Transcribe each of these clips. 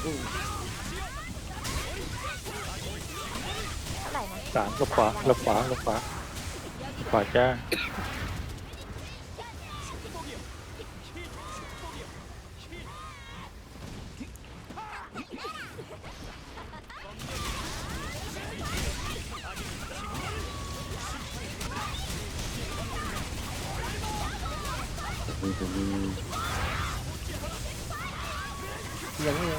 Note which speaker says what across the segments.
Speaker 1: เท่าไหร่นะ
Speaker 2: 3ลบขวาลบขวาลบขวาขวาจ้า
Speaker 3: ยังไม่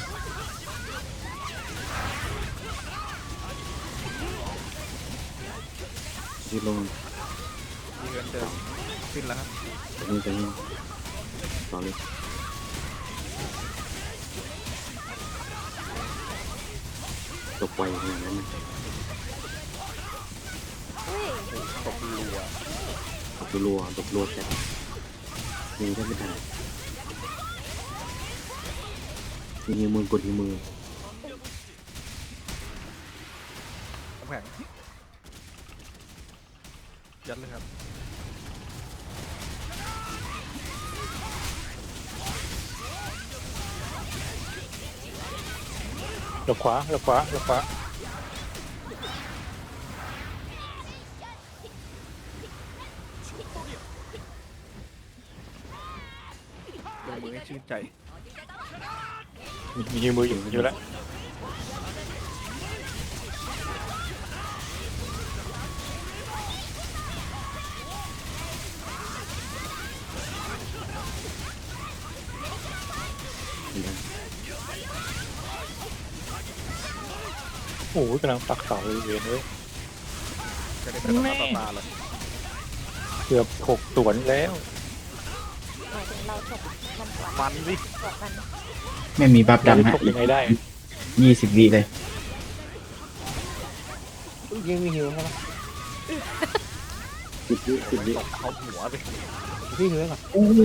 Speaker 4: ยืดลง
Speaker 3: มีเงินเดิมขึ้นแล้วครับ
Speaker 4: จะนี่ต่อเลยตกไวขนาดนั้นนะ
Speaker 1: เฮ้ย
Speaker 3: ตกรัว
Speaker 4: ตกรัวแต่ยิงแทบไม่ทันยิงมือกดที่มือ
Speaker 3: น้ำแข็งยัดเลยครับ
Speaker 2: ลบขวาลบขวาลบขวา
Speaker 3: ลงมือให้ชื่นใจ
Speaker 2: มีมืออยู่แล้ว โอ้ยกำลังปักเสาเลยเวนเลย
Speaker 3: จะได้เป็นต่อตาเลย
Speaker 2: เกือบ6 สวนแล้ว
Speaker 1: หมายถึงเราถกมันกว่า
Speaker 3: มันดิ
Speaker 1: กว่ามัน
Speaker 5: ไม่มีบัฟ
Speaker 2: จะ
Speaker 5: ดำฮะ
Speaker 2: ถกยังไงได้
Speaker 5: 20 วิเลย
Speaker 3: ยังมีหิวใช่ไหม
Speaker 4: 10 วิ
Speaker 3: ตกเข้าหัวไป
Speaker 4: พี่เหลือหรอ
Speaker 5: อู้
Speaker 3: มี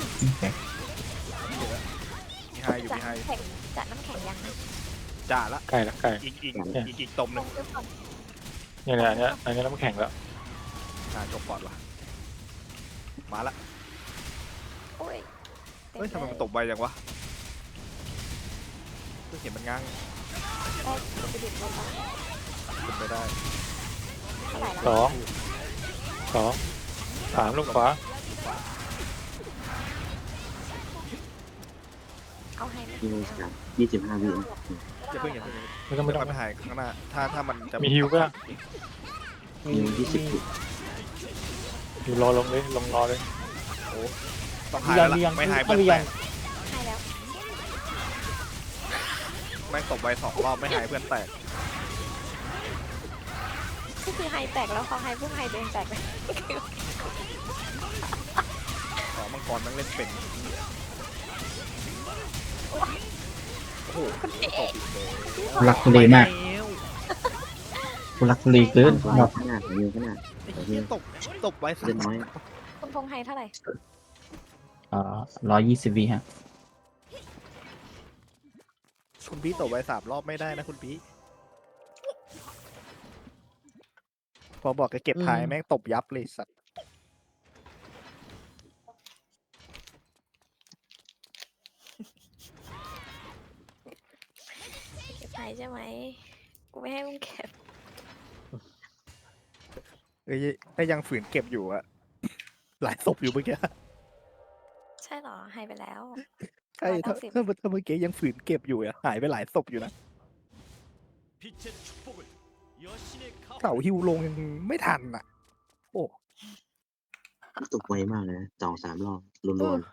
Speaker 3: ไฮอยู่
Speaker 1: จะ
Speaker 3: มีไฮ
Speaker 1: แข็งจะน้ำแข็งยังนะ
Speaker 3: จ่าละ
Speaker 2: ใกล้ละใกล้
Speaker 3: อีกตมห
Speaker 1: ล
Speaker 3: นึ่ง
Speaker 1: งซื้อก่อน
Speaker 2: เนี่ยอันนี้น้ำแข็งแล้ว
Speaker 3: จบก่อนวะมาละ
Speaker 1: โอ้ยเต็
Speaker 3: เฮ้ยทำไมมันตบไวจังวะเพิ่งเห็นมันง้าง
Speaker 1: ได้ไปดิบลงไป
Speaker 3: ขึ้นไปได้
Speaker 1: เท่าไหร่ละ
Speaker 2: 2 3ลงขวา
Speaker 1: เอาให้ไหม
Speaker 4: 25 วิ
Speaker 3: อย่าเพิ่งอย่าเพิ่ง
Speaker 2: ไม่ต้องไม่
Speaker 3: เดี๋ยว
Speaker 2: ต้อง
Speaker 3: ไปหายข้างหน้าถ้ามันจะ
Speaker 2: มีฮิวป่ะ
Speaker 4: ยิง20 วิ
Speaker 2: อยู่รอลงเลยลงรอเลย
Speaker 3: ต้องหายแล้วล่ะไม่หายเพื่อนแตก
Speaker 1: ให้แล้ว
Speaker 3: แม่งตบไว2 รอบไม่หายเพื่อนแตก
Speaker 1: ก็คือไฮแตกแล้วพอไฮพุ่งไฮเดินแตกไป
Speaker 3: มังกรแม่งเล่นเป็นโอ้โหตบอีกเลย
Speaker 5: ทุลักทุเลมากทุลักทุเลเกิน
Speaker 4: ต่อขนาดยิงขนาด
Speaker 3: ไอ้เหี้ยตบไว้สัก
Speaker 4: เล่นน้อย
Speaker 1: คุณพงษ์ไฮเท่าไหร่
Speaker 5: 120 วิฮะ
Speaker 3: คุณพี่ตบไว้3 รอบไม่ได้นะคุณพี่พอบอกจะเก็บท้ายแม่งตบยับเลยสัตว์
Speaker 1: เก็บไฮใช่ไหมกูไม่ให้มึงเก็บ
Speaker 3: เอ้ยถ้ายังฝืนเก็บอยู่อะหลายศพอยู่เมื่อกี้
Speaker 1: ใช่เหรอไฮไปแล้ว
Speaker 3: ใช่ถ้าเมื่อกี้ยังฝืนเก็บอยู่อะหายไปหลายศพอยู่นะเสาฮิวลงยังไม่ทันอะโอ้
Speaker 4: ตกไวมากเลยนะ2-3 รอบรัว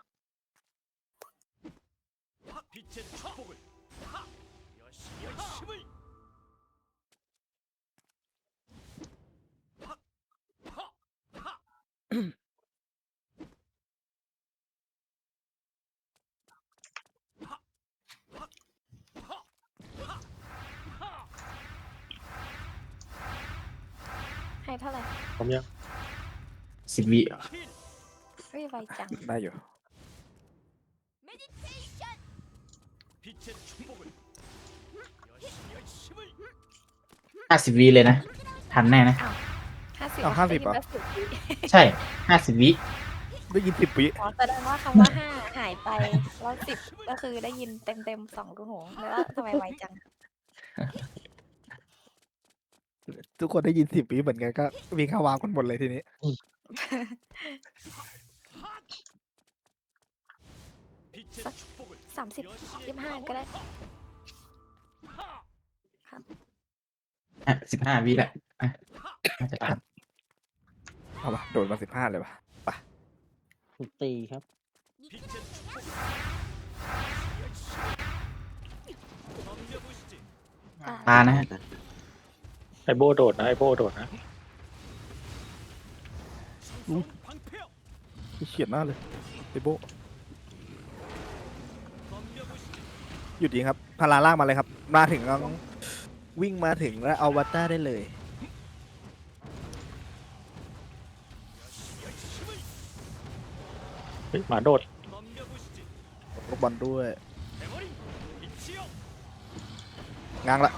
Speaker 1: ไฮเท่าไหร่
Speaker 2: ผมยัง
Speaker 5: 10 วิ
Speaker 1: เฮ้ยไวจัง
Speaker 3: ได้อยู่
Speaker 5: 50 วิเลยนะ ทันแน่นะ
Speaker 1: 50
Speaker 3: เอา50เหรอ
Speaker 1: 50
Speaker 5: ใช่ 50 วิ
Speaker 3: ได้ยิน10 วิ
Speaker 1: อ๋อแสดงว่าคำว่าห้าหายไปแล้ว10ก็คือได้ยินเต็ม2 รูหูแล้วทำไมไวจัง
Speaker 3: ทุกคนได้ยิน10 วิเหมือนกันก็วิ่งเข้าวาร์ปกันหมดเลยทีนี้
Speaker 1: สัก30 25ก็ได้
Speaker 5: 15 วิแหละอ่ะน่าจะทัน
Speaker 3: เอาวะโดนมา15เลยวะ
Speaker 2: ถูกตีครับ
Speaker 5: ตานะฮะ
Speaker 2: ไอโบโดดนะไอโบโดดนะ
Speaker 3: เฉียดหน้าเลยไอโบหยุดยิงครับพาราล่างมาเลยครับ มาถึงแล้ววิ่งมาถึงแล้วเอาวัตต้าได้เลย
Speaker 2: เฮ้ยหมาโดด
Speaker 3: ลูกบอลด้วยง้างละ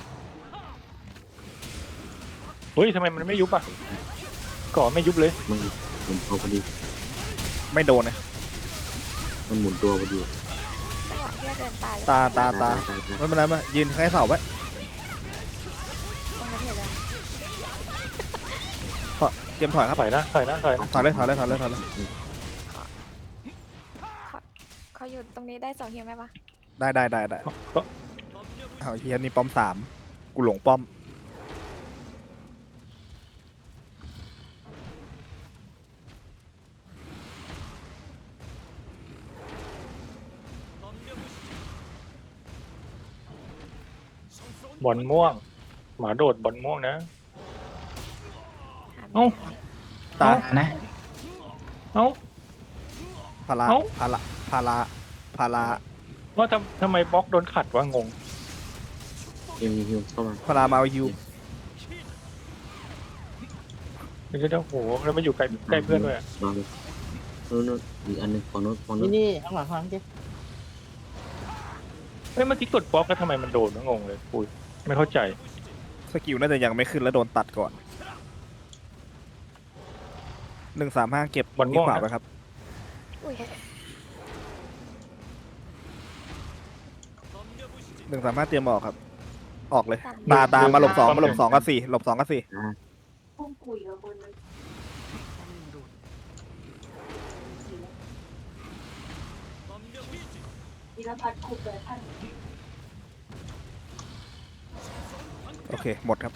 Speaker 2: เฮ้ยทำไมมันไม่ยุบอ่ะก่อไม่ยุบเลย
Speaker 4: มันหมุนตัวพอดี
Speaker 3: ไม่โดนนะ
Speaker 4: มันหมุนตัวพอดี
Speaker 1: จังหวะที่เดินตาย
Speaker 3: ตา
Speaker 4: ตาย
Speaker 3: ไม่เป็นไรมายืนแค่เสาไว้
Speaker 1: ตรงนั้นเห็นไหม
Speaker 3: เตรียมถอยครับ
Speaker 2: ถอยนะถอยนะถอยนะ
Speaker 3: ถอยเลยถอยเลยถอยเลยถอยเลย
Speaker 1: เขาอยู่ตรงนี้ได้2 ฮิวไหมปะ
Speaker 3: ได้
Speaker 2: ก็
Speaker 3: เอาเฮียนี่ป้อม3กูหลงป้อม
Speaker 2: บอลม่วง หมาโดดบอลม่วงนะ
Speaker 1: หาไม่
Speaker 2: เอ้า
Speaker 1: ได้
Speaker 3: ตา
Speaker 5: นะ
Speaker 2: เอ้า
Speaker 3: พารา
Speaker 2: เอ้า
Speaker 3: พาราพาราพารา
Speaker 2: ว่าทำไมบล็อกโดนขัดวะงง
Speaker 4: ฮิวเข้ามา
Speaker 3: พารามาเอาฮิว
Speaker 2: ไม่ใช่เดี๋ยวโหแล้วมาอยู่ใกล้เพื่อนด้วยอะ
Speaker 4: รอเลยนู้นอีกอันหนึงฝั่งนู้น
Speaker 2: เฮ้ยเมื่อกี้กดบล็อกแล้วทำไมมันโดนวะงงเลยปุยไม่เข้าใจ
Speaker 3: สกิลน่าจะยังไม่ขึ้นแล้วโดนตัดก่อน135เก็บบอลที่ขวาไปครับ
Speaker 1: อุ้ย
Speaker 3: 135เตรียมออกครับ ออกเลย ตามาหลบ2มาหลบ2กับ4หลบ2กับ4 โอเค หมดครับ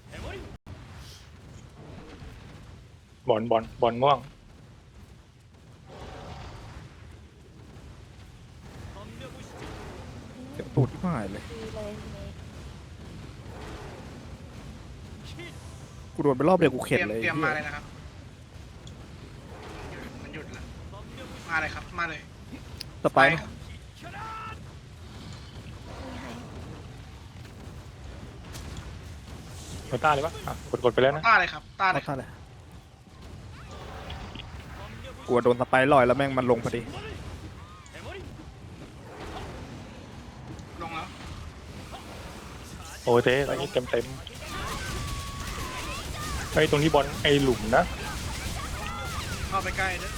Speaker 2: บอลม่วง
Speaker 3: เดี๋ยวตูดที่หายเลย
Speaker 1: ดีเลยทีนี้
Speaker 3: กูโดนไปรอบเดียวกูเข็ดเลย
Speaker 6: เตรียมมาเลยนะครับ มันหยุดแล้ว มาเลยครับ มาเลย
Speaker 3: สไปร์
Speaker 6: ครับ
Speaker 1: ไม่ให้
Speaker 2: โนต้าเลยปะอ่ะกดไปแล้วนะ
Speaker 6: ต้าเลยครับ ต้าเลย
Speaker 3: เท่าไหร่กลัวโดนสไปร์ลอยแล้วแม่งมันลงพอดี
Speaker 6: ลงแล้ว
Speaker 2: โอเต้ตอนนี้เต็มไอ้ตรงที่บอลไอ้หลุมนะ
Speaker 6: เข้าไปใกล้ด้วย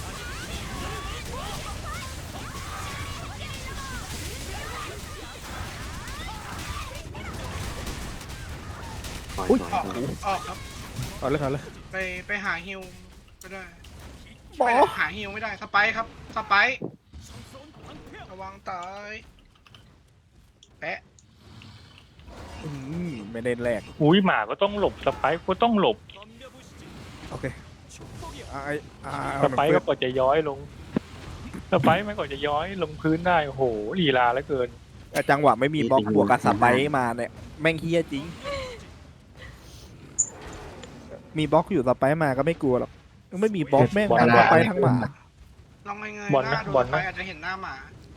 Speaker 4: ปล่อย
Speaker 3: อุ๊ย
Speaker 4: ปล่อย
Speaker 6: ออก
Speaker 4: ปล่อย
Speaker 6: ออกครับ
Speaker 3: เอาเลยเอาเลย
Speaker 6: ไปหาฮิวก็ได้
Speaker 3: บอ
Speaker 6: ไปหาฮิวไม่ได้ สไปค์ครับ สไปค์ระวังตาย แปะ
Speaker 3: ไม่ได้แรก
Speaker 2: อุ้ยหมาก็ต้องหลบสไปค์ก็ต้องหลบ
Speaker 3: โอเคเอา
Speaker 2: สไปค์ก็กว่าจะย้อยลงสไปค์มันกว่าจะย้อยลงพื้นได้โอ้โหลีลาเหลือเกิน
Speaker 3: จังหวะไม่มีบล็อกบวกกับสไปร์มาเนี่ยแม่งเฮี้ยจริง มีบล็อกอยู่สไปร์มาก็ไม่กลัวหรอกไม่มีบล็อกแม่งทั้งสไปร์ทั้งหมา
Speaker 6: ลองไง
Speaker 2: บอล
Speaker 6: ห
Speaker 2: นะ
Speaker 6: น้าดู
Speaker 2: บอล
Speaker 6: สไป
Speaker 2: นะ
Speaker 6: ค์อาจจะเห็นหน้าหมา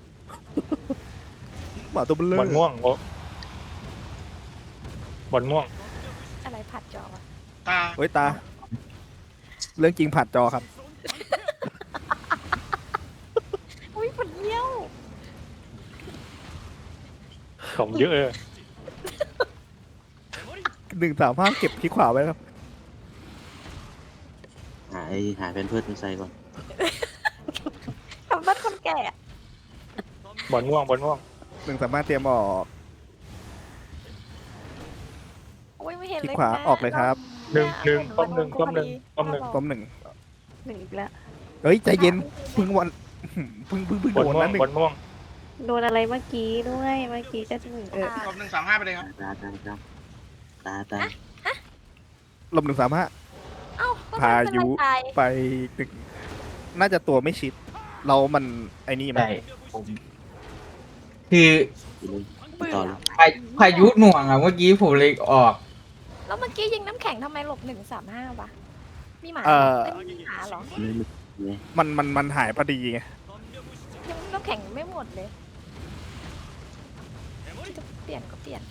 Speaker 3: หมาตัวเบล
Speaker 2: บอลม่วงโอ้บอลม่วง
Speaker 1: อะไรผัดจอวะ
Speaker 6: ตา
Speaker 3: เฮ้ยตา เรื่องจริงผัดจอครับ
Speaker 1: อุ้ยปวดเยี่ยว
Speaker 2: ของเยอะเลย
Speaker 3: 135เก็บที่ขวาไว้ครับ
Speaker 4: หาเป็นเพื่อนใส่ก่อน
Speaker 1: บ้านคนแก่อะ
Speaker 2: บอลม่วงบอลม่วง
Speaker 3: 135เตรียมออก
Speaker 1: โอ้ยไม่เห็น
Speaker 3: ที่
Speaker 1: เลย
Speaker 3: ขวา
Speaker 1: นะ
Speaker 3: ออกเลยครับ
Speaker 2: หนึ่งป้อมหนึ่งป้อมหนึ่งป้อมหนึ่ง
Speaker 3: ต้ม1
Speaker 1: หนึ่งอีกแล้ว
Speaker 3: เฮ้ยใจเย็นเพึ่งวันเพึ่ง
Speaker 2: บอล
Speaker 3: โดน
Speaker 2: ม่ว
Speaker 3: นะ
Speaker 2: ง
Speaker 3: หนึ่ง
Speaker 2: บอลม่วง
Speaker 7: โดนอะไรเมื่อกี้ด้วยเมื่อกี้จะถึง
Speaker 6: ลบ135ไปเลยครับ
Speaker 4: ตา
Speaker 3: ลม135
Speaker 1: เอ้าก็
Speaker 3: พายุ
Speaker 1: ไม่เป็นไรตาย
Speaker 3: ไปตึกน่าจะตัวไม่ชิด เรามันไอ้นี่มั้
Speaker 5: ใช่ผมคือ
Speaker 4: ต่อเลย
Speaker 5: พายุหน่วงอ่ะเมื่อกี้ผมเลยออก
Speaker 1: แล้วเมื่อกี้ยิงน้ำแข็งทำไมหลบ135วะมีหมา
Speaker 3: เอ่อ
Speaker 1: ไม่มีหมาเหรอ
Speaker 3: มันหายพอดีไง
Speaker 1: ยังน้ำแข็งไม่หมดเลยจะเปลี่ยนก็เปลี่ยน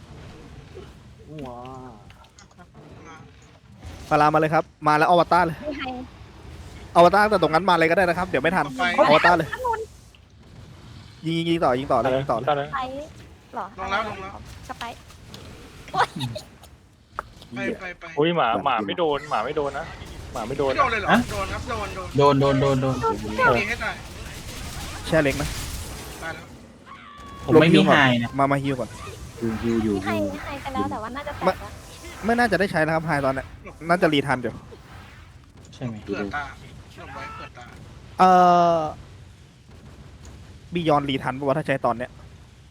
Speaker 3: พารามาเลยครับ มาแล้วอวตารเลย
Speaker 1: ไม่ให้
Speaker 3: อวตารแต่ตรงนั้นมาเลยก็ได้นะครับ เดี๋ยวไม่ทัน
Speaker 6: ไป
Speaker 3: อวตารเลย ยิงต่อยิงต่อเลยยิงต่อเลย
Speaker 2: ตอนนั้น
Speaker 1: ไปเหรอ
Speaker 6: ลงแล้วลงแล้ว
Speaker 1: สไป
Speaker 6: ไป
Speaker 2: อุ้ยหมาไม่โดนหมาไม่โดนนะหมาไม่โดน
Speaker 6: ไม่โดนเลยเหรอ
Speaker 5: ฮะ
Speaker 6: โดนครับโดน
Speaker 5: โดน
Speaker 6: ตีให้ตาย
Speaker 3: แช่เล็กนะ
Speaker 6: ตายแล้ว
Speaker 5: ผมไม่มีไฮนะ
Speaker 3: มาฮิวก่อน
Speaker 4: ฮิวอยู่
Speaker 1: ให้ไปแล้วแต่ว่าน่าจะแตกแล้ว
Speaker 3: ไม่น่าจะได้ใช้แล้วครับไฮตอนเนี้ยน่าจะรีทันอยู่
Speaker 5: ใช่ไหม
Speaker 6: เผื่อตาลงไว้เผื่อตา
Speaker 3: บียอนรีทันป่าวะถ้าใช้ตอนเนี้ย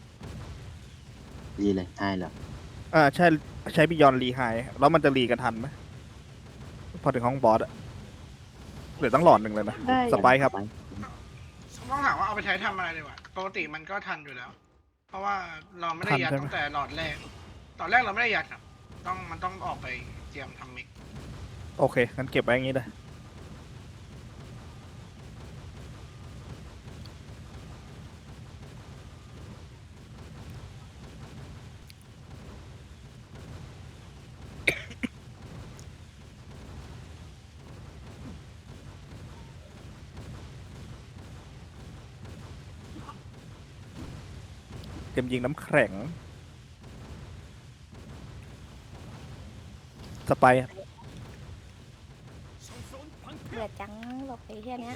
Speaker 4: ดีเลยให้เหรอ
Speaker 3: ใช่ใช้บียอนรีไฮแล้วมันจะรีกันทันไหมพอถึงห้องบอสอะเหลือตั้งหลอดหนึ่งเลยนะ
Speaker 7: ได้
Speaker 3: สไปค์ครับ
Speaker 6: ต้องถามว่าเอาไปใช้ทำอะไรดีวะปกติมันก็ทันอยู่แล้ว เพราะว่าเราไม่ได้ยัด
Speaker 3: ทันใช่ไหม
Speaker 6: ตั้งแต่หลอดแรกตอนแรกเราไม่ได้ยัดครับมันต้องออกไปเตรียมทำมิก
Speaker 3: โอเคงั้นเก็บไว้อย่างนี้เลยเตรียมยิงน้ำแข็งสไปค์
Speaker 1: เบื่อจังหลบไปแค่เนี้ย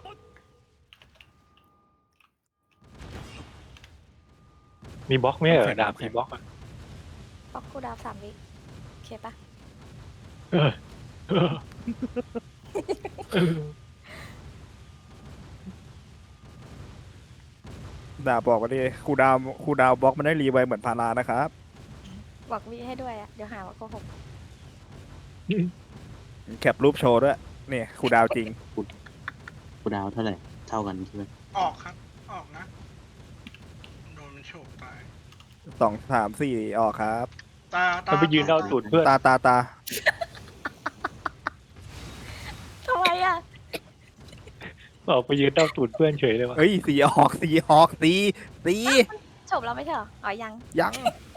Speaker 2: มีบล็อกไหมเหรอดาบมีบล็อกอ่ะ
Speaker 1: บล็อกคูลดาวน์3 วิโอเคปะ
Speaker 2: เออเออเออ
Speaker 3: ดาบอกว่าดิครูดาวบล็อกมันได้รีไวเหมือนพารานะครับ
Speaker 1: บอกวิให้ด้วยอะเดี๋ยวหาว่าโกหก
Speaker 3: แคปรูปโชว์ด้วยนี่ครูดาวจริง
Speaker 4: กูดาวเท่าไหร่เท่ากันใช่ไหม
Speaker 6: ออกครับออกนะโดนมันโฉบตาย
Speaker 3: 2 3 4ออกครับ
Speaker 6: ตา
Speaker 2: มันไปยืนเดาตูดเพื่อน
Speaker 3: ตา
Speaker 1: ทำไมอะ
Speaker 2: บอกไปยืนเดาตูดเพื่อนเฉยเลยวะ
Speaker 3: เฮ้ยสีออกตี
Speaker 1: จบแล้วไม่ใช่เหรออ๋อยัง
Speaker 3: ยัง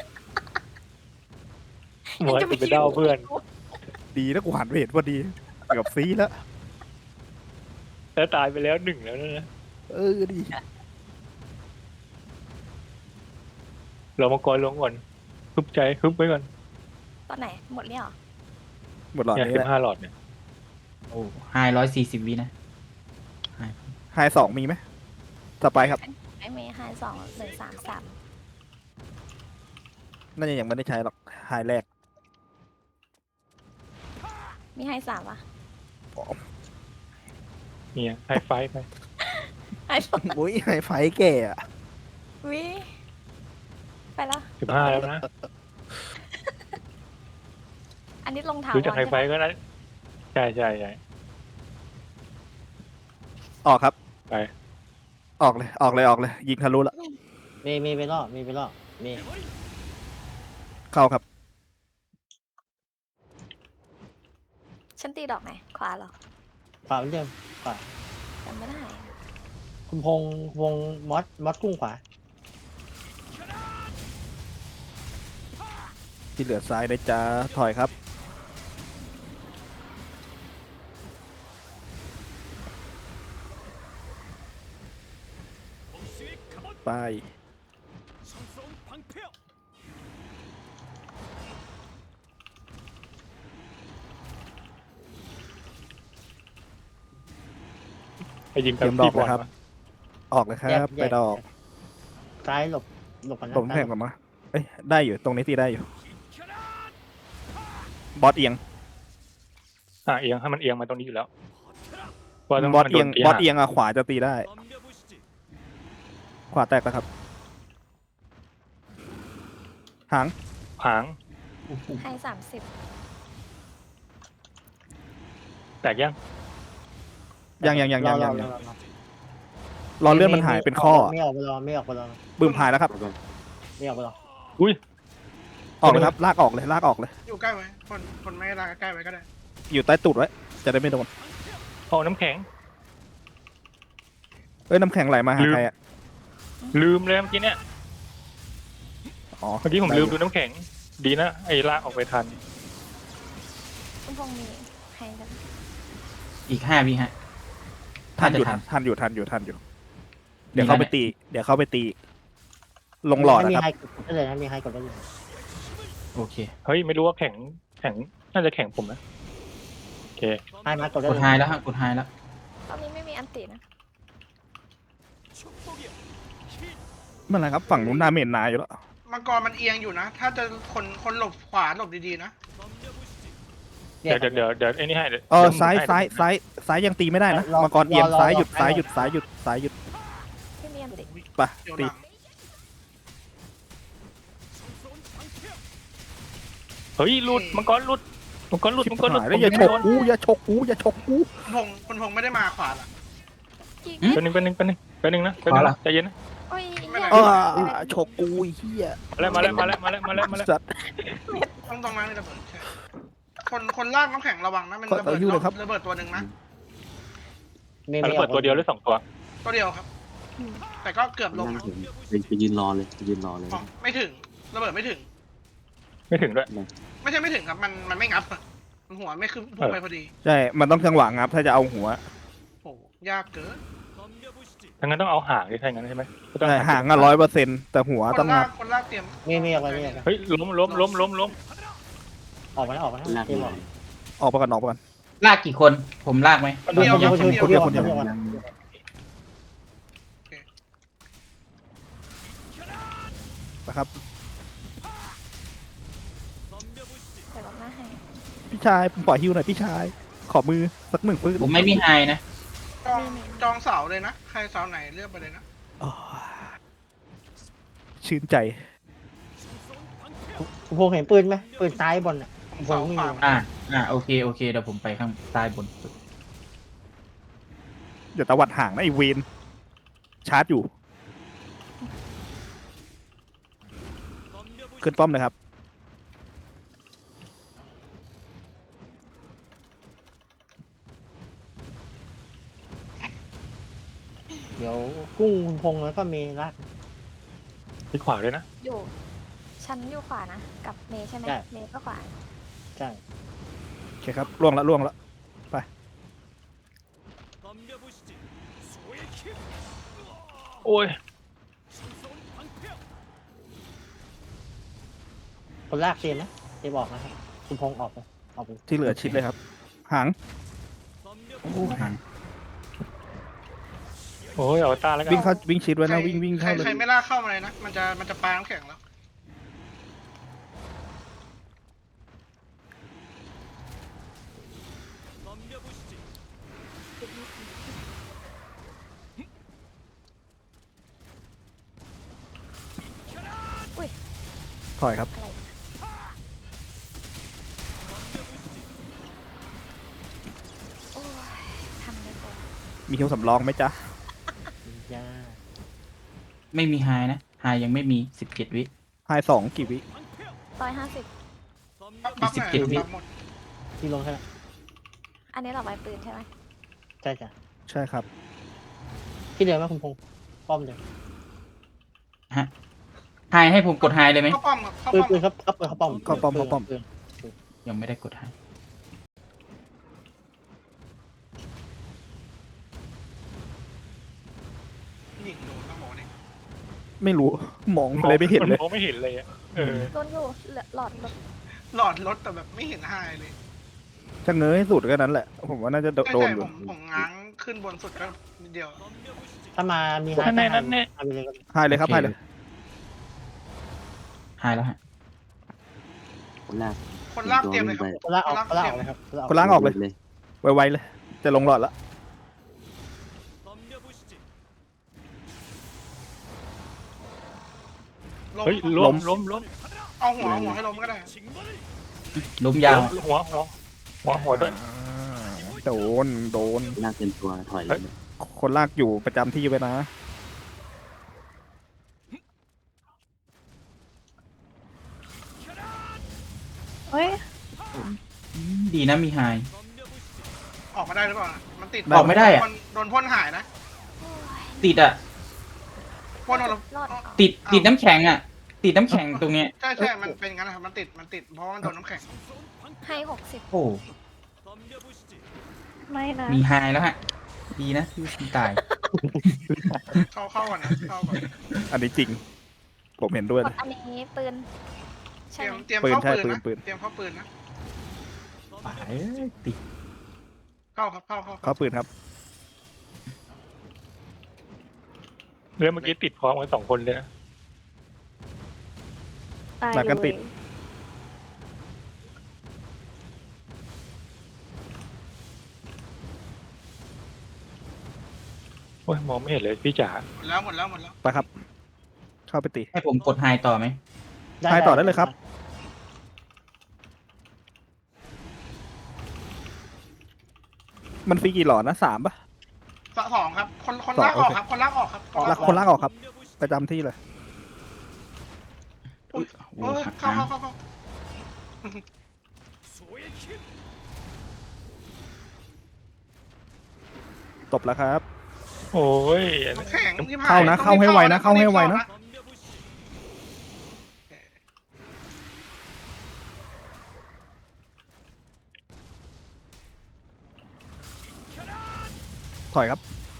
Speaker 2: หมวยไปเดาเพื่อน
Speaker 3: ดีนะกูหันไปเห็นพอดีเกือบซีแล้ว
Speaker 2: แล้วตายไปแล้ว1แล้วนะ
Speaker 3: ดี
Speaker 2: เรามากรลงก่อนฮึบใจฮึบไว้ก่อน
Speaker 1: ตอนไหนหมดเนี่ยเหรอ
Speaker 3: หมดหลอด
Speaker 2: เนี่ย
Speaker 3: นี้แหละ
Speaker 2: 15 หลอดเนี่ย
Speaker 5: โอ้ไฮ140 วินะ
Speaker 3: ไฮ2มีไหมสไปครับ
Speaker 1: ไอเมย์ไฮ2 1 3 3
Speaker 3: น่าจะยังไม่ได้ใช้หรอกไฮแรก
Speaker 1: มีไฮ3วะ
Speaker 2: เนี่ยไฮไฟไป
Speaker 1: ไฮ
Speaker 3: อุ้ยไฮไฟแก่อะ
Speaker 1: วิไปแล้ว
Speaker 2: 15แล้วนะ
Speaker 1: อันนี้ลงเท้า
Speaker 2: รู้จักไฮไฟก็นะใช่
Speaker 3: ออกครับ
Speaker 2: ไป
Speaker 3: ออกเลยยิงทะลุละ
Speaker 8: มีไปรอบมี
Speaker 3: เข้าครับ
Speaker 1: ฉันตีดอกไหนขวาเหรอ
Speaker 8: ขวาเหมือนเดิม
Speaker 1: จำไม่ได้อะ
Speaker 8: คุณพงษ์มอสกุ้งขวา
Speaker 3: ที่เหลือซ้ายได้จ้าถอยครับไป
Speaker 2: ไปยิง
Speaker 3: เต
Speaker 2: กับ
Speaker 3: รียมดอ
Speaker 2: พี่
Speaker 3: ก
Speaker 2: บอล
Speaker 3: นะครับ
Speaker 2: วะ
Speaker 3: ออกเลยครั
Speaker 8: แยก
Speaker 3: บ
Speaker 8: แย
Speaker 3: ไป
Speaker 8: ก
Speaker 3: ดอก
Speaker 8: ซ้ายหลบหลบกันนะ
Speaker 3: ตรงแข่งก่อนมาเอ้ยได้อยู่ตรงนี้ตีได้อยู่บอสเอียง
Speaker 2: เอียงให้มันเอียงมาตรงนี้อยู่แล้วว่าต้อง
Speaker 3: บอส
Speaker 2: มัน
Speaker 3: เอี
Speaker 2: โด
Speaker 3: ยง
Speaker 2: นตี
Speaker 3: บอส
Speaker 2: ห่าง
Speaker 3: เอียงอะขวาจะตีได้ ขวาแตกแล้วครับ หาง
Speaker 2: หาง
Speaker 1: ให้30
Speaker 2: แตกยัง
Speaker 3: ยัง
Speaker 8: รอ
Speaker 3: รอเลื่อนมันหายเป็นข้อ
Speaker 8: ไม่ออกไปรอไม่ออกไปรอ
Speaker 3: บึ้มหายแล้วครับ
Speaker 8: ไม่ออกไปรอ
Speaker 2: อุ้ย
Speaker 3: ออกเลยครับ ลากออกเลย ลากออกเลย
Speaker 6: อยู่ใกล้ไว้คนไม่รักใกล้ไว้ก็ได้
Speaker 3: อยู่ใต้ตูดไว้ จะได้ไม่โดน
Speaker 2: เอาน้ำแข็ง
Speaker 3: เอ้ย น้ำแข็งไหลมาหาใครอะ
Speaker 2: ลืมเลยเมื่อกี้เนี่ย
Speaker 3: อ๋อ
Speaker 2: เมื่อกี้ผมลืมดูน้ำแข็ง ดีนะไอ้ลากออกไปทัน
Speaker 1: คุณพงษ์มีให้กัน
Speaker 5: อีก5 วิฮะ
Speaker 3: ทันอยู่
Speaker 5: ทัน
Speaker 3: ทันอยู่ เดี๋ยวเข้าไปตี ลงหลอด
Speaker 8: มี
Speaker 3: นะครับ
Speaker 8: ไฮกดได้เลยนะมีไฮกดได้เลย
Speaker 5: โอเค
Speaker 2: เฮ้ยไม่รู้ว่าแข็งน่าจะแข็งผมนะโอเค
Speaker 8: ไฮมากดได้
Speaker 5: ก
Speaker 8: เล
Speaker 5: ด
Speaker 8: ย
Speaker 5: ไฮแล้วฮะกดไฮแล้ว
Speaker 1: ตอนนี้ไม่มีอันตินะ
Speaker 3: เมื่อไหรครับ ฝั่งนู้นดาเมจนายอยู่แล้ว
Speaker 6: มังกรมันเอียงอยู่นะ ถ้าจะคนหลบขวาหลบดีๆนะ
Speaker 2: เดี๋ยวไอ้นี่ให้เดี๋ยว
Speaker 3: ซ้าย
Speaker 2: ให้
Speaker 3: ซ้ายยังตีไม่ได้นะมังกรเอียงซ้ายหยุด ซ้ายหยุด
Speaker 1: ไม่มีอันติ
Speaker 3: ไป
Speaker 6: เดี๋ยว
Speaker 3: ตี
Speaker 6: หลัง
Speaker 2: เฮ้ยหลุดมังกรหลุด
Speaker 3: ชิบ
Speaker 2: มังกรหลุด
Speaker 3: หายแล้วอย่าฉกกูอย่าฉกกู
Speaker 6: คุณพงษ์ไม่ได้มาขวาล่ะ
Speaker 1: กี่
Speaker 2: เป็นหนึ่งนะใจเย็นนะ
Speaker 1: โอ้ย
Speaker 6: ไม่เป็นไร
Speaker 3: เออฉกกูไอ้เหี้ย
Speaker 2: มาแล้ว
Speaker 3: สัตว์
Speaker 6: ตรงนั้นมีระเบิดใช่คนลากน้ำแข็งระวังนะมันระเบิด
Speaker 3: ขออยู่เลยครับ
Speaker 6: ระเบิดตัวหนึ่งนะ
Speaker 8: ไม่
Speaker 2: ระ
Speaker 8: อ
Speaker 2: เบิ
Speaker 8: อ
Speaker 2: ด
Speaker 8: ก
Speaker 2: ตัวเดียวหรือ2 ตัว
Speaker 6: ตัวเดียวครับ แต่ก็เกือบลง
Speaker 4: นั่ง
Speaker 6: อะ
Speaker 4: เห็นไปยืนรอเลยไปยืนรอเลย
Speaker 6: อ๋อไม่ถึงระเบิดไม่ถึง
Speaker 2: ไม่ถึงด้วย
Speaker 6: ไม่ใช่ไม่ถึงครับมันไม่งับอะมันหัวไม่ขึ้นพุ่งไปพอดี
Speaker 3: ใช่ มันต้องจังหวะงับถ้าจะเอาหัว
Speaker 6: โอ้ยากเกิน
Speaker 2: ทั้งนั้นต้องเอาหางดิใช่งั้นใช่ไหม
Speaker 3: ใช่ห่างอะ100%แต่หัว
Speaker 6: ค
Speaker 3: ต้อน ง
Speaker 6: ลา
Speaker 3: งั
Speaker 6: ก
Speaker 3: บ
Speaker 6: คนลากเตรียม
Speaker 8: ไม่ออกไปไม่ออกไป
Speaker 2: เฮ้ยล้ม
Speaker 8: ออกมาแล้วออกมาแล้ว
Speaker 4: ลาก
Speaker 8: เกม
Speaker 4: ห
Speaker 8: อ
Speaker 4: น่
Speaker 8: อ
Speaker 4: อก ย
Speaker 3: ออกไปก่อน
Speaker 5: ลากกี่คนผมลากไหม
Speaker 6: คนเดียวครับคนเดียว
Speaker 3: คนเดียว นะครับ
Speaker 1: เดี๋ยวเราหน้าให้
Speaker 3: พี่ชายผมปล่อยฮิวหน่อยพี่ชาย ขอมือสัก1 ปืน
Speaker 5: ผมไม่มีไฮนะ
Speaker 6: จองเสาเลยนะใครเสาไหนเลือกไปเลยนะ
Speaker 3: อ๋อชื่นใจ
Speaker 8: คุณพงษ์เห็นปืนไหมปืนซ้ายบนอ่ะคุณพ
Speaker 6: เสาง
Speaker 8: ษ์ไม่
Speaker 6: ขวา
Speaker 8: มี
Speaker 5: โอเคเดี๋ยวผมไปข้างใต้บนสุด
Speaker 3: เดี๋ยวตะวัดห่างนะไอเวนชาร์จอยู่ ขึ้นป้อมเลยครับ
Speaker 8: เดี๋ยวกุ้งคุณพงษ์แล้วก็มีลาก
Speaker 2: ที่ขวาด้วยนะ
Speaker 1: อยู่ชั้นอยู่ขวานะ กับเมย์ใช่ไหม
Speaker 8: ใช่
Speaker 1: เมย์ก็ขวา
Speaker 8: ใช่
Speaker 3: โอเคครับล่วงแล้ว
Speaker 2: โอ้ย
Speaker 8: คนลากเตรียมนะเตรียมออกนะครับคุณพงษ์ออกไป
Speaker 3: ที่เหลือชิดเลยครับ หาง
Speaker 5: โอ้ห่าง
Speaker 2: โอ้ยเอาตาแล้วกัน
Speaker 3: วิ่งชิดไว้นะวิ่ง
Speaker 6: ใคร
Speaker 3: เข้าเลย
Speaker 6: ใครไม่ลากเข้ามาเลยนะมันจะปาน้ำแข็งแล้ว
Speaker 3: ถอยครับ
Speaker 1: อะไรโอ้ยทำได้ก่อน
Speaker 3: มีฮิวสำรองไหมจ๊ะ
Speaker 8: ย่า
Speaker 5: ไม่มีไฮนะไฮยังไม่มี17 วิ
Speaker 3: ไฮ2กี่วิ
Speaker 1: 150
Speaker 6: บัฟไหน
Speaker 5: 17 วิ
Speaker 6: บัฟหมด
Speaker 8: ที่ลงแค่นั้น
Speaker 1: อันนี้เราไว้ปืนใช่ไหม
Speaker 8: ใช่จ้ะ
Speaker 3: ใช่ครับ
Speaker 8: ที่เดิมไหมคุณพงษ์ป้อมเดิม
Speaker 5: ไฮให้ผมกดไฮเลยไหม
Speaker 6: เข้าป้อมครับเข้า
Speaker 8: ปืน
Speaker 6: ป้อม
Speaker 8: ปืนครับเข้าป้อม
Speaker 3: เข้าป้อม
Speaker 8: ปืน
Speaker 5: ยังไม่ได้กดไฮ
Speaker 6: ยิงโดนต้องบอกนี่
Speaker 3: ไม่รู้ มองอะไรไม่เห็นเลย
Speaker 2: มองไม่เห็นเลยอะเออ
Speaker 1: โดนอยู่หลอดรถ
Speaker 6: หลอดรถแต่แบบไม่เห็นหายเลย
Speaker 3: จะเงยให้สุดก็นั้นแหละ ผมว่าน่าจะโด
Speaker 6: ใช่
Speaker 3: นอยู่
Speaker 6: ผมง้างขึ้นบนสุดก็นิดเดียว
Speaker 8: ถ้ามามี
Speaker 2: นั่นแน่นั่นแน่
Speaker 8: เอาไปเลยก็ได้
Speaker 3: ไฮเลยครับไฮเลย
Speaker 5: หายแล้วฮะ
Speaker 4: คนแรก
Speaker 6: คนลากเตรียมเลยครับ
Speaker 8: คนละออกคนละออกเลยครับ
Speaker 3: คนล้างออกเลย
Speaker 4: เลย
Speaker 3: ไวๆเลย จะลงหลอดแล้ว
Speaker 6: ลง
Speaker 2: เฮ้ยล้ม
Speaker 6: เอาหัวให้ล้มก็ได้
Speaker 5: ล้มยาว
Speaker 2: หัวด้วย
Speaker 3: โดน
Speaker 4: ลากเต็มตัวถอยเลย
Speaker 3: คนลากอยู่ประจำที่ไว้นะ
Speaker 7: เฮ้ย
Speaker 5: ดีนะมีไฮ
Speaker 6: ออกมาได้หรือเปล่านะมันติด
Speaker 5: ออกไม่ได้อะ
Speaker 6: โดนพ่นหายนะ
Speaker 5: ติดอ่ะ
Speaker 6: พ่นโดน
Speaker 1: รอด
Speaker 5: ติดน้ำแข็งอ่ะ ติดน้ำแข็งตรงเนี้ย
Speaker 6: ใช่มันเป็นงั้นนะครับมันติดเพราะว่ามันโดนน้ำแข็ง
Speaker 1: ให้60
Speaker 5: โอ้
Speaker 7: ไม่นะ
Speaker 5: มีไฮแล้วฮะ ดีนะที่คุณตาย
Speaker 6: เข้าก่อนนะเข้าก่อน
Speaker 3: อันนี้จริง ผมเห็นด้วย
Speaker 1: ก
Speaker 3: เล
Speaker 1: ด
Speaker 3: ย
Speaker 1: อันนี้ปืน ใช่
Speaker 6: เตรียม
Speaker 1: ไหม
Speaker 6: เข้า
Speaker 3: ปืนใช่
Speaker 6: ปืนนะ
Speaker 3: ปืน
Speaker 6: เตรียมเข้าปืนนะ
Speaker 5: ตายเอ้ยติด
Speaker 6: เข้าครับเข้า
Speaker 3: เขาปืนครับ
Speaker 2: เรื่องเมื่อกี้ติดพร้อมกัน2 คนเลยนะ
Speaker 7: ตาย
Speaker 3: หนักกันติด
Speaker 7: เลย
Speaker 2: โอ้ยมองไม่เห็นเลยพี่จ๋า
Speaker 6: หมดแล้ว
Speaker 3: ไปครับ เข้าไปตี
Speaker 5: ให้ผมกดไฮต่อไหม
Speaker 3: ไฮต่อได้เลยครับ มันฟรีกี่หลอดนะ3ป่ะ
Speaker 6: สองครับคนลากออกครับคนลากออกครับ
Speaker 3: คนลากออกครับ ประจำที่เลย
Speaker 6: โอ้ยเข้า
Speaker 3: ตบแล้วครับ
Speaker 2: โอ้ย
Speaker 6: น้ำแข็งที่ผ่
Speaker 3: เข้านะเข้าให้ไวนะเข้าให้ไวนะ ถอยครับ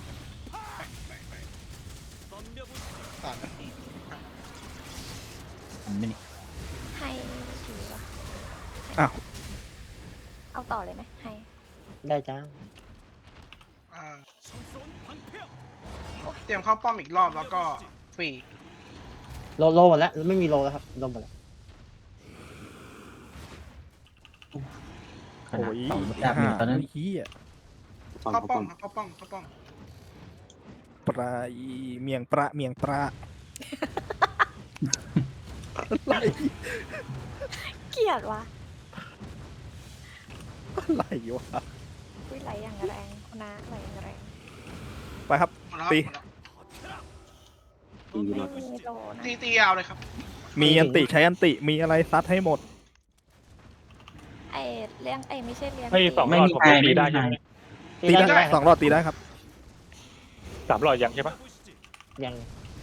Speaker 6: ตัดนะ
Speaker 5: ไม่นี่
Speaker 1: ให้ถือวะ
Speaker 3: อ้าว
Speaker 1: เอาต่อเลยไหมให้
Speaker 8: ได้จ้า
Speaker 6: เตรียมเข้าป้อมอีกรอบแล้วก็ฟรี
Speaker 8: โลหมดแล้วไม่มีโลแล้วครับโลหมดแล้ว
Speaker 5: ขนาด
Speaker 3: โอ้ย
Speaker 5: ต่อมาจับอยู่ตอนนั้น
Speaker 3: เฮีย
Speaker 4: ป้อม
Speaker 6: เข้า
Speaker 4: เขา
Speaker 6: ป้
Speaker 4: ป้
Speaker 6: อ
Speaker 4: อ
Speaker 6: ม
Speaker 4: ม
Speaker 6: เข้าป้อมเข้าป้อม
Speaker 3: ปลาอีเมียงปลาอะไร
Speaker 1: เกลียดวะ
Speaker 3: อะไรวะ
Speaker 1: วิไหลอย่างแรงคุณน้าไหลอย่างแรง
Speaker 3: ไปครับ
Speaker 6: หมดแล้ว
Speaker 3: ตี
Speaker 4: ตีอยู่ร
Speaker 1: ไม่
Speaker 4: อด
Speaker 1: มีโลนะ
Speaker 6: ตียาวเลยครับ
Speaker 3: มีอันติใช้อันติมีอะไรซัดให้หมด
Speaker 1: ไอเลี้ยงไอไม่ใช่เลี้ยง
Speaker 2: ให้2 หลอดผมลงตีได้ใช่ไหม
Speaker 3: ตีได้2 รอบตีได้ครับ
Speaker 2: 3 หลอดยังใช่ปะ
Speaker 8: ยัง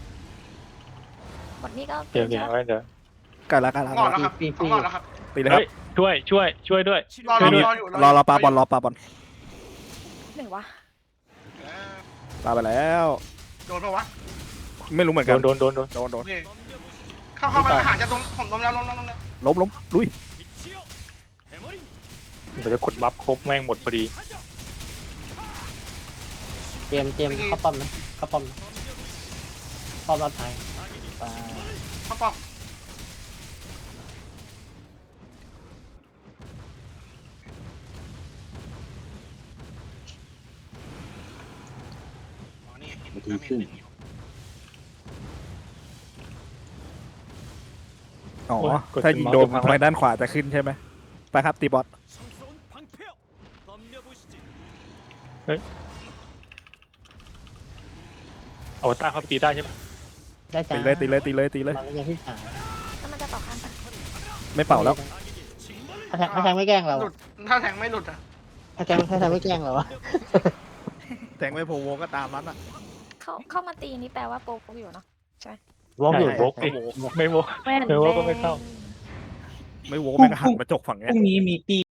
Speaker 1: หมดนี่ก็
Speaker 2: เดี๋ยวเอาไว้เดี๋ยว
Speaker 3: กันละ
Speaker 6: หลอดแล้วครับหลอดแล้วครับ
Speaker 3: ตีเลยครั
Speaker 2: เฮ้
Speaker 3: บ
Speaker 2: ยช่วยด้วย
Speaker 6: รออยู่
Speaker 3: รอปลาบอล
Speaker 1: ไหนวะ
Speaker 3: ปลาไปแล้ว
Speaker 6: โดนปะวะ
Speaker 3: ไม่รู้เหมือนกัน
Speaker 2: โดน
Speaker 3: โด
Speaker 6: โอน เคเข้ามาหาจะตรงผมล้มแล้ว
Speaker 3: ล้มลุย
Speaker 2: มันจะกดบัฟครบแม่งหมดพอดี
Speaker 8: เตรียมเข้าป้อมนะเข้าป้อมนะป้อมรับไทยไป
Speaker 6: เข้าป้อมนี่
Speaker 4: นาทีครึ่ง
Speaker 3: อ๋อ
Speaker 2: โอ้ยกด
Speaker 3: ถ้ายิงโดน
Speaker 2: เมาส์
Speaker 3: ทางด้านขวาจะขึ้นใช่ไหมไปครับตีบอส
Speaker 2: เอาต้าเข้าไปตีได้ใช่ปะ
Speaker 8: ได้จ้า
Speaker 3: ตีเลย
Speaker 8: มันยังที่สาม
Speaker 1: แล้วมันจะต่อข้างกัน
Speaker 3: ไม่เป่าแล้ว
Speaker 8: ถ้าแทงไม่แกล้งเรา
Speaker 6: หลุดถ้าแทงไม่หลุดอ่ะ
Speaker 8: ถ้าแทงไม่แกล้งเราอะ
Speaker 3: แทงไม่โพโวก็ตามนั้นอ่ะ
Speaker 1: เข้ามาตีนี่แปลว่าโปรอยู่เนาะ
Speaker 8: วอล์กอยู่
Speaker 2: โวกดิไม่โวก
Speaker 7: แม่น
Speaker 2: เดี๋ยวว่าก็ไม่เข้า
Speaker 3: ไม่โวแม่งหันมาจกฝั่ง
Speaker 5: พ
Speaker 3: เนี้ย
Speaker 5: รุ่งนี้มีตี